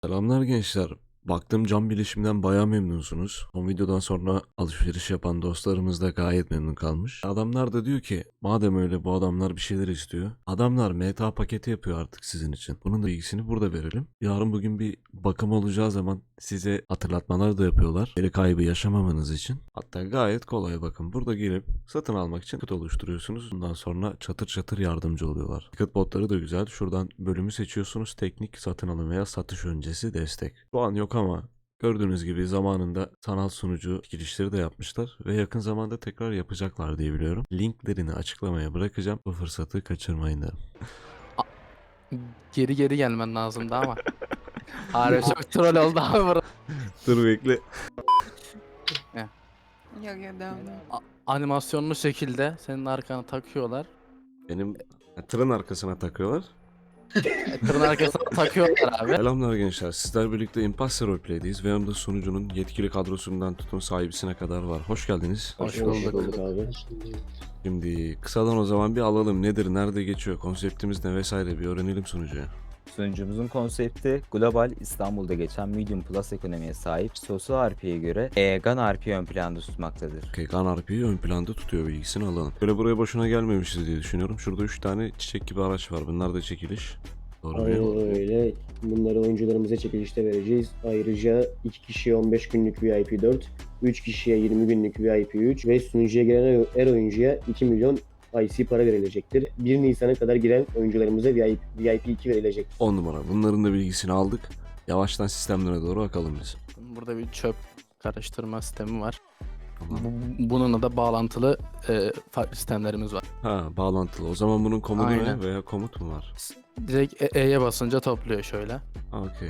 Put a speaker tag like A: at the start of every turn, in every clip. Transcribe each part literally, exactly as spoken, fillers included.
A: Selamlar gençler. Baktım cam bilişimden bayağı memnunsunuz. O videodan sonra alışveriş yapan dostlarımız da gayet memnun kalmış. Adamlar da diyor ki madem öyle bu adamlar bir şeyler istiyor. Adamlar M T A paketi yapıyor artık sizin için. Bunun da bilgisini burada verelim. Yarın bugün bir bakım olacağı zaman size hatırlatmalar da yapıyorlar. Geri kaybı yaşamamanız için. Hatta gayet kolay bakın. Burada gelip satın almak için kıt oluşturuyorsunuz. Bundan sonra çatır çatır yardımcı oluyorlar. Kıt botları da güzel. Şuradan bölümü seçiyorsunuz. Teknik satın alım veya satış öncesi destek. Şu an yok ama gördüğünüz gibi zamanında sanal sunucu girişleri de yapmışlar ve yakın zamanda tekrar yapacaklar diye biliyorum. Linklerini açıklamaya bırakacağım. Bu fırsatı kaçırmayın derim.
B: Geri geri gelmen lazımdı ama. Harbi çok troll oldu abi burası.
A: Dur bekle.
C: Yok yok devam devam.
B: A- Animasyonlu şekilde senin arkana takıyorlar.
A: Benim ha, tırın arkasına takıyorlar.
B: E, Tırın arkasına takıyorlar abi.
A: Selamlar gençler. Sizler birlikte Imposter Roleplay'deyiz ve yanımda sunucunun yetkili kadrosundan tutun sahibisine kadar var. Hoş geldiniz.
B: Hoş bulduk.
D: abi.
A: Şimdi kısadan o zaman bir alalım. Nedir, nerede geçiyor, konseptimiz ne vesaire bir öğrenelim sunucuya.
D: Sunucumuzun konsepti global İstanbul'da geçen Medium Plus ekonomiye sahip sosyal R P'ye göre e, GAN R P'yi ön planda tutmaktadır.
A: Okay, GAN R P'yi ön planda tutuyor, bilgisini alalım. Böyle buraya boşuna gelmemişiz diye düşünüyorum. Şurada üç tane çiçek gibi araç var. Bunlar da çekiliş. Doğru mu?
E: Aynen öyle. Bunları oyuncularımıza çekilişte vereceğiz. Ayrıca iki kişiye on beş günlük V I P dört, üç kişiye yirmi günlük V I P üç ve sunucuya giren her oyuncuya iki milyon I C para verilecektir. bir Nisan'a kadar giren oyuncularımıza V I P iki verilecek.
A: on numara. Bunların da bilgisini aldık. Yavaştan sistemlere doğru bakalım biz.
B: Burada bir çöp karıştırma sistemi var.
A: Tamam.
B: Bu- Bununla da bağlantılı e, farklı sistemlerimiz var.
A: Ha, bağlantılı. O zaman bunun komodu ne
B: Aynen.
A: veya komut mu var?
B: Direkt E- E'ye basınca topluyor şöyle.
A: Okey.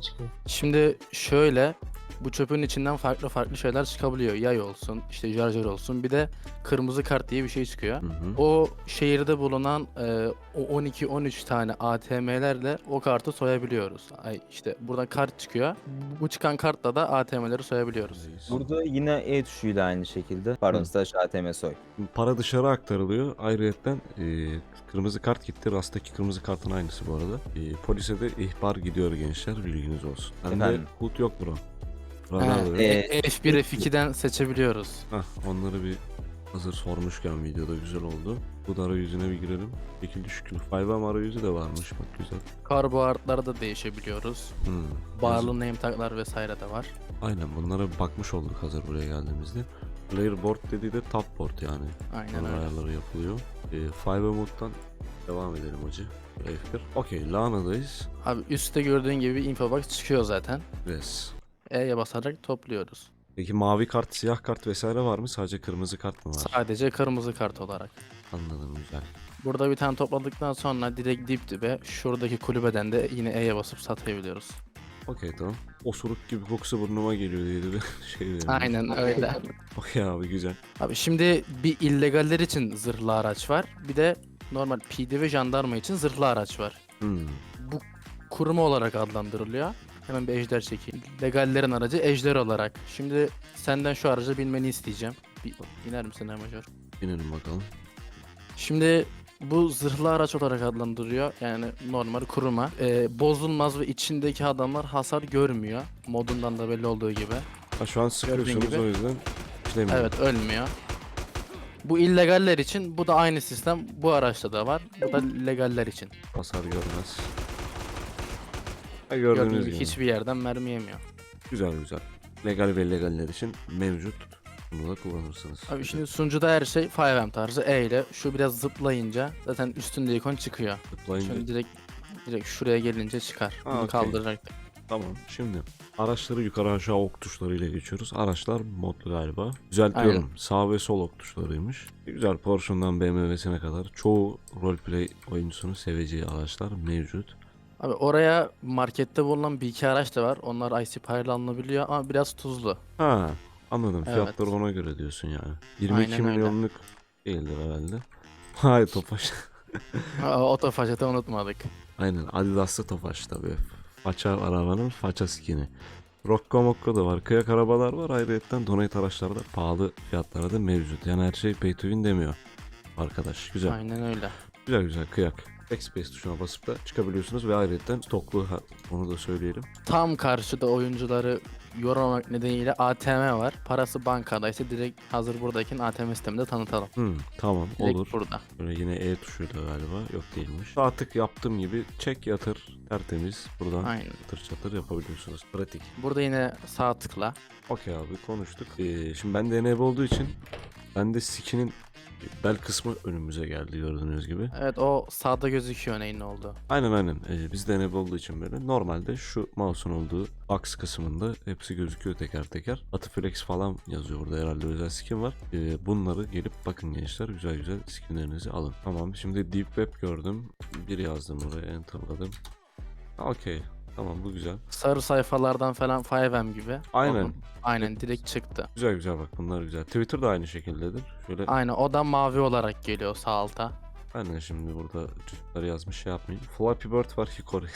B: Şimdi şöyle bu çöpün içinden farklı farklı şeyler çıkabiliyor. Yay olsun, işte şarjör olsun. Bir de kırmızı kart diye bir şey çıkıyor.
A: Hı hı.
B: O şehirde bulunan e, o on iki on üç tane A T M'lerle o kartı soyabiliyoruz. Ay işte buradan kart çıkıyor. Bu çıkan kartla da A T M'leri soyabiliyoruz.
D: Burada yine E tuşuyla aynı şekilde pardon
A: Hı.
D: slash A T M soy.
A: Para dışarı aktarılıyor. Ayrıyeten e, kırmızı kart gitti. Rastaki kırmızı kartın aynısı bu arada. E, polise de ihbar gidiyor gençler. Bilginiz olsun. Bende
D: Efendim?
A: H U D yok bro.
B: Ha,
A: Radar da yok.
D: e-
B: F bir F iki'den seçebiliyoruz.
A: Hah, onları bir hazır sormuşken videoda güzel oldu. Bu da arayüzüne bir girelim. Şekil şükür. five M arayüzü de varmış bak, güzel.
B: Karbohidratları da değişebiliyoruz.
A: Hmm.
B: Barlı name taglar vesaire de var.
A: Aynen, bunlara bir bakmış olduk hazır buraya geldiğimizde. Player board dediği de top board yani.
B: Aynen
A: Bunlar
B: öyle.
A: ayarları yapılıyor. E, five M moddan devam edelim hacı. F bir. Okey, Lana'dayız.
B: Abi üstte gördüğün gibi info box çıkıyor zaten.
A: Res.
B: E'ye basarak topluyoruz.
A: Peki mavi kart, siyah kart vesaire var mı? Sadece kırmızı kart mı var?
B: Sadece kırmızı kart olarak.
A: Anladım, güzel.
B: Burada bir tane topladıktan sonra direkt dip dibe şuradaki kulübeden de yine E'ye basıp satabiliyoruz.
A: Okey, tamam. Osuruk gibi kokusu burnuma geliyor diye de bir şey verelim.
B: Aynen öyle.
A: Okey abi, güzel.
B: Abi şimdi bir illegaller için zırhlı araç var. Bir de normal P D ve jandarma için zırhlı araç var.
A: Hmm.
B: Bu kuruma olarak adlandırılıyor. Hemen bir ejder çekeyim. Legallerin aracı ejder olarak. Şimdi senden şu aracı binmeni isteyeceğim. Bir iner misin Major?
A: Binelim bakalım.
B: Şimdi bu zırhlı araç olarak adlandırıyor. Yani normal kuruma. Ee, bozulmaz ve içindeki adamlar hasar görmüyor. Modundan da belli olduğu gibi.
A: Ha, şu an sıkıyorsunuz
B: gibi.
A: o yüzden işlemiyor.
B: Evet, ölmüyor. Bu illegaller için bu da aynı sistem. Bu araçta da var. Bu da legaller için.
A: Hasar görmez. Ha, gördüğünüz
B: Gördüğünüz
A: gibi.
B: gibi hiçbir yerden mermi yemiyor.
A: Güzel güzel. Legal ve illegaller için mevcut. Bunu da kullanırsınız.
B: Abi şimdi sunucuda her şey five M tarzı E ile. Şu biraz zıplayınca zaten üstünde ikon çıkıyor.
A: Tıklayınca.
B: Şimdi direkt direkt şuraya gelince çıkar.
A: Ha,
B: Bunu
A: okey.
B: kaldıracak.
A: Tamam. Şimdi araçları yukarı aşağı ok tuşlarıyla geçiyoruz. Araçlar modlu galiba. Düzeltiyorum.
B: Aynen.
A: Sağ ve sol ok tuşlarıymış. Güzel, Porsche'dan B M W'sine kadar çoğu roleplay oyuncusunun seveceği araçlar mevcut.
B: Abi oraya markette bulunan bir iki araç da var. Onlar I C parayla alınabiliyor ama biraz tuzlu.
A: Ha, anladım.
B: Evet.
A: Fiyatları ona göre diyorsun yani. yirmi iki
B: Aynen öyle.
A: milyonluk değildir herhalde. Hayır, Tofaş.
B: Otofaşete unutmadık.
A: Aynen, Adidas'ta Tofaş tabii. Faça arabanın faça skini. Rocco Mocco da var. Kıyak arabalar var. Ayrıca donate araçlarda pahalı fiyatlara da mevcut. Yani her şey pay to win demiyor arkadaş. Güzel.
B: Aynen öyle.
A: Güzel güzel kıyak. Backspace tuşuna basıp da çıkabiliyorsunuz ve ayrıca stoklu, ha, onu da söyleyelim.
B: Tam karşıda oyuncuları yormamak nedeniyle A T M var. Parası bankadaysa direkt hazır buradayken A T M sisteminde tanıtalım.
A: Hmm, tamam
B: Direkt
A: olur.
B: burada.
A: Böyle yine E tuşuyla galiba, yok değilmiş. Sağ tık yaptığım gibi çek yatır tertemiz buradan
B: Aynen.
A: çatır çatır yapabiliyorsunuz. Pratik.
B: Burada yine sağ tıkla.
A: Okey abi, konuştuk. Ee, şimdi ben de enable olduğu için bende skin'in bel kısmı önümüze geldi gördüğünüz gibi.
B: Evet, o sağda gözüküyor neyin ne oldu.
A: Aynen aynen. Ee, bizde enable olduğu için böyle. Normalde şu mouse'un olduğu box kısmında hepsi gözüküyor teker teker. Atiflex falan yazıyor burada, herhalde özel skin var. Ee, bunları gelip bakın gençler, güzel güzel skinlerinizi alın. Tamam, şimdi Deep Web gördüm. Bir yazdım oraya, enterladım. Okey. Tamam, bu güzel.
B: Sarı sayfalardan falan five M gibi.
A: Aynen.
B: Onun- aynen direkt çıktı.
A: Güzel güzel, bak bunlar güzel. Twitter da aynı şekildedir. Şöyle
B: Aynen, o da mavi olarak geliyor sağ alta.
A: aynen, şimdi burada çocukları yazmış, şey yapmayayım. Flappy Bird var, Hikori.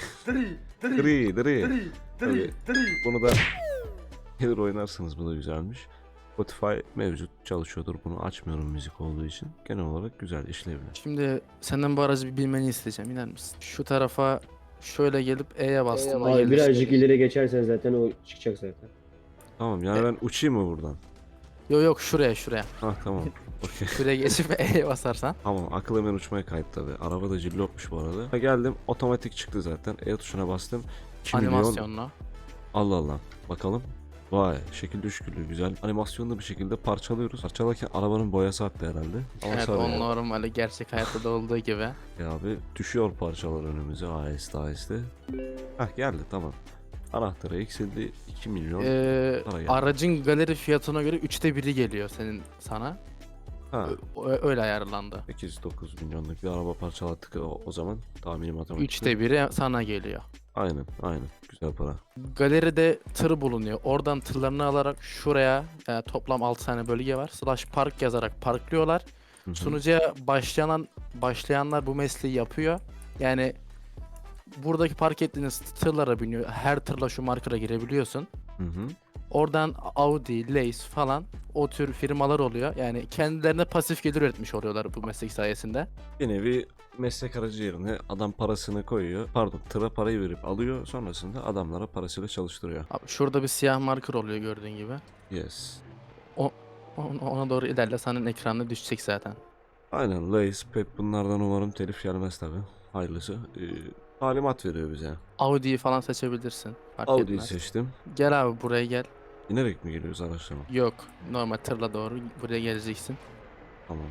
A: Dri dri. Tabii. Bunu da gelir oynarsınız, bu da güzelmiş. Spotify mevcut çalışıyordur, bunu açmıyorum müzik olduğu için. Genel olarak güzel, işlevli.
B: Şimdi senden bu aracı bir bilmeni isteyeceğim, iner misin? Şu tarafa şöyle gelip E'ye bastım.
E: Abi birazcık ileri geçersen zaten o çıkacak zaten.
A: Tamam, yani ben uçayım mı buradan?
B: Yok yok, şuraya şuraya.
A: Ha tamam. Okey.
B: Şuraya geçip E'ye basarsan.
A: Tamam, akıl hemen uçmaya kayıt tabi. Araba da cillopmuş bu arada. Ha, geldim, otomatik çıktı zaten. E tuşuna bastım. iki milyon.
B: Animasyonla.
A: Allah Allah. Bakalım. Vay, şekil düşkülü güzel. Animasyonlu bir şekilde parçalıyoruz. Parçalarken arabanın boyası attı herhalde. Ama
B: Evet,
A: sarı
B: o
A: yani.
B: normali gerçek hayatta da olduğu gibi.
A: Ya abi, düşüyor parçalar önümüze aheste aheste. Hah, geldi, tamam. Anahtarı eksildi, iki milyon.
B: Ee,
A: Para geldi.
B: aracın galeri fiyatına göre üçte biri geliyor senin sana.
A: Ha,
B: Ö- öyle ayarlandı.
A: sekiz dokuz milyonluk bir araba parçalattık o, o zaman. Tahmini matematik.
B: Üçte biri sana geliyor.
A: Aynen aynen, güzel para.
B: Galeride tır bulunuyor. Oradan tırlarını alarak şuraya, e, toplam altı tane bölge var. Slash park yazarak parklıyorlar.
A: Hı hı.
B: Sunucuya başlayan başlayanlar bu mesleği yapıyor. Yani buradaki park ettiğiniz tırlara biniyor. Her tırla şu markera girebiliyorsun.
A: Hı hı.
B: Oradan Audi, Lace falan o tür firmalar oluyor. Yani kendilerine pasif gelir üretmiş oluyorlar bu meslek sayesinde.
A: Bir nevi meslek aracı yerine adam parasını koyuyor. Pardon, tıra parayı verip alıyor. Sonrasında adamlara parasıyla çalıştırıyor.
B: Abi şurada bir siyah marker oluyor gördüğün gibi.
A: Yes.
B: O- Ona doğru ilerle, senin ekranına düşecek zaten.
A: Aynen, Lace, Pep, bunlardan umarım telif gelmez tabi. Hayırlısı. Ee, talimat veriyor bize.
B: Audi'yi falan seçebilirsin. Fark
A: Audi'yi
B: etmez.
A: seçtim.
B: Gel abi buraya gel.
A: İnerek mi geliyoruz araçlama?
B: Yok, normal tırla doğru buraya geleceksin.
A: Tamam.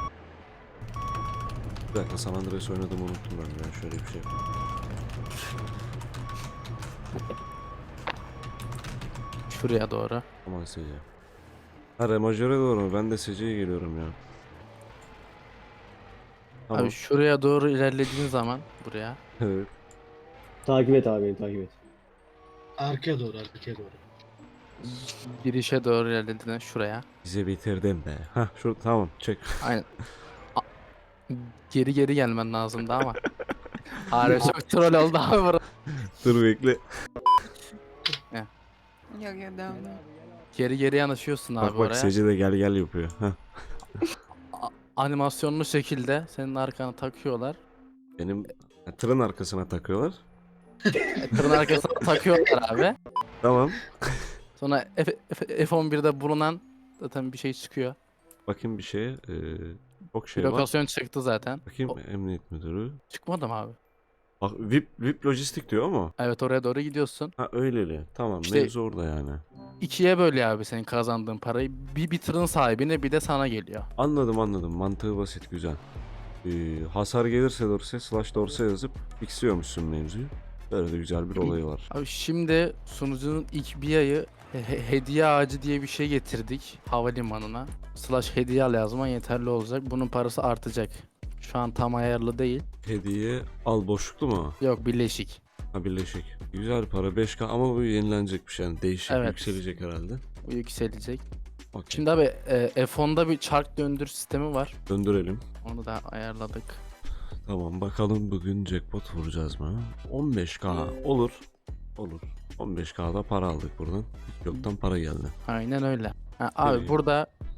A: Bir dakika, San Andreas oynadım, unuttum ben. Ben şöyle bir şey yapayım.
B: Şuraya doğru.
A: Aman S C. Ha, remajöre doğru mu? Ben de S C'ye geliyorum ya. Tamam.
B: Abi şuraya doğru ilerlediğin zaman buraya.
A: Evet.
E: Takip et abi, beni takip et.
C: Arkaya doğru, arkaya doğru.
B: Girişe doğru ilerlediğinde şuraya.
A: Bize bitirdin be. Hah, şu tamam, çek.
B: Aynen. A- geri geri gelmen lazımdı ama. Harbi çok troll oldu abi burası.
A: Dur bekle.
F: Yok yok devam devam.
B: Geri geri yanaşıyorsun abi
A: Bak bak,
B: oraya.
A: S C de gel gel yapıyor. Hah.
B: A- animasyonlu şekilde senin arkana takıyorlar.
A: Benim ha, tırın arkasına takıyorlar.
B: E, Tırın arkasına takıyorlar abi.
A: Tamam.
B: Sonra F- F- F on birde bulunan zaten bir şey çıkıyor.
A: Bakayım bir şeye. Ee, çok
B: Bir
A: şey var.
B: lokasyon çıktı zaten.
A: Bakayım,
B: O-
A: emniyet müdürü.
B: Çıkmadı mı abi?
A: Bak, V I P, V I P lojistik diyor ama.
B: Evet, oraya doğru gidiyorsun.
A: Ha, öyleli. Tamam,
B: İşte-
A: mevzu orada yani.
B: İkiye bölüyor abi senin kazandığın parayı. Bir, bir tırın sahibine bir de sana geliyor.
A: Anladım anladım. Mantığı basit, güzel. Ee, hasar gelirse dorse slash dorse yazıp fixliyormuşsun mevzuyu. Böyle de güzel bir olayı var.
B: Abi şimdi sunucunun ilk bir ayı he- he- hediye ağacı diye bir şey getirdik havalimanına. Slash hediye al yazman yeterli olacak. Bunun parası artacak. Şu an tam ayarlı değil.
A: Hediye al boşluklu mu?
B: Yok, birleşik.
A: Ha, birleşik. Güzel para, beş K ama bu yenilenecek bir şey. Yani değişik,
B: Evet.
A: yükselecek herhalde.
B: Bu yükselecek.
A: Okey.
B: Şimdi abi e, F on'da bir çark döndür sistemi var.
A: Döndürelim.
B: Onu da ayarladık.
A: Tamam, bakalım bugün jackpot vuracağız mı? on beş K olur. Olur. on beş K'da para aldık buradan. Hiç yoktan para geldi.
B: Aynen öyle. Ha, abi
A: İyi.
B: burada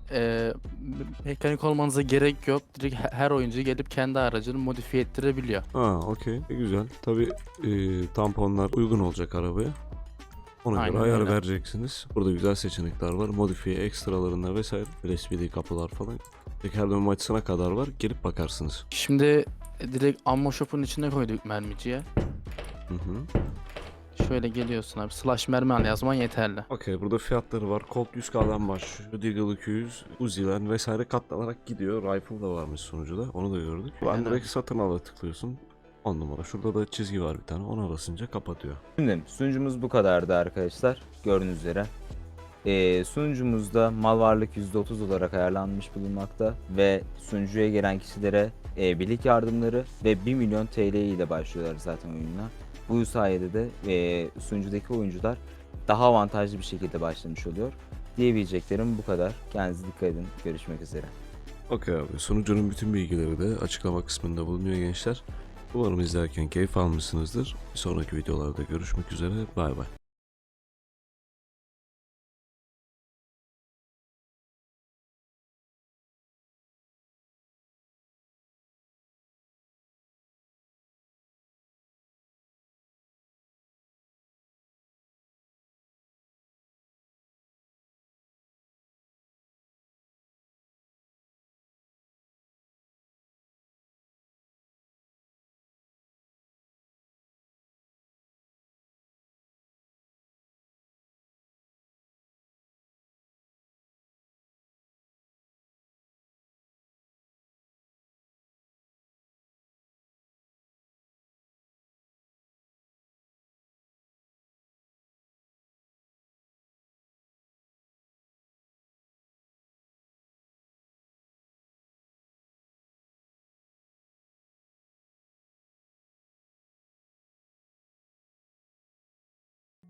B: e, mekanik olmanıza gerek yok. Direkt he- her oyuncu gelip kendi aracını modifiye ettirebiliyor.
A: Ha, okey. E, güzel. Tabii e, tamponlar uygun olacak arabaya. Ona
B: Aynen
A: göre ayar
B: öyle.
A: vereceksiniz. Burada güzel seçenekler var. Modifiye ekstralarında vesaire. S P D kapılar falan. Teker dönme açısına kadar var. Gelip bakarsınız.
B: Şimdi e, direkt ammo shop'un içine koyduk mermiciye.
A: Hı hı.
B: Şöyle geliyorsun abi. Slash mermi al yazman yeterli.
A: Okey, burada fiyatları var. Colt yüz K'dan başlıyor. Deagle iki yüz, Uzi'ler vesaire katlanarak gidiyor. Rifle da varmış sunucuda. Onu da gördük. Ben
B: Aynen.
A: direkt satın ala tıklıyorsun. on numara. Şurada da çizgi var bir tane. Ona basınca kapatıyor.
D: Şimdi sunucumuz bu kadardı arkadaşlar. Gördüğünüz üzere. Ee, sunucumuzda mal varlık yüzde otuz olarak ayarlanmış bulunmakta ve sunucuya gelen kişilere e, birlik yardımları ve bir milyon T L ile başlıyorlar zaten oyununa. Bu sayede de e, sunucudaki oyuncular daha avantajlı bir şekilde başlamış oluyor. Diyebileceklerim bu kadar. Kendinize dikkat edin. Görüşmek üzere.
A: Okey abi. Sunucunun bütün bilgileri de açıklama kısmında bulunuyor gençler. Umarım izlerken keyif almışsınızdır. Bir sonraki videolarda görüşmek üzere. Bay bay.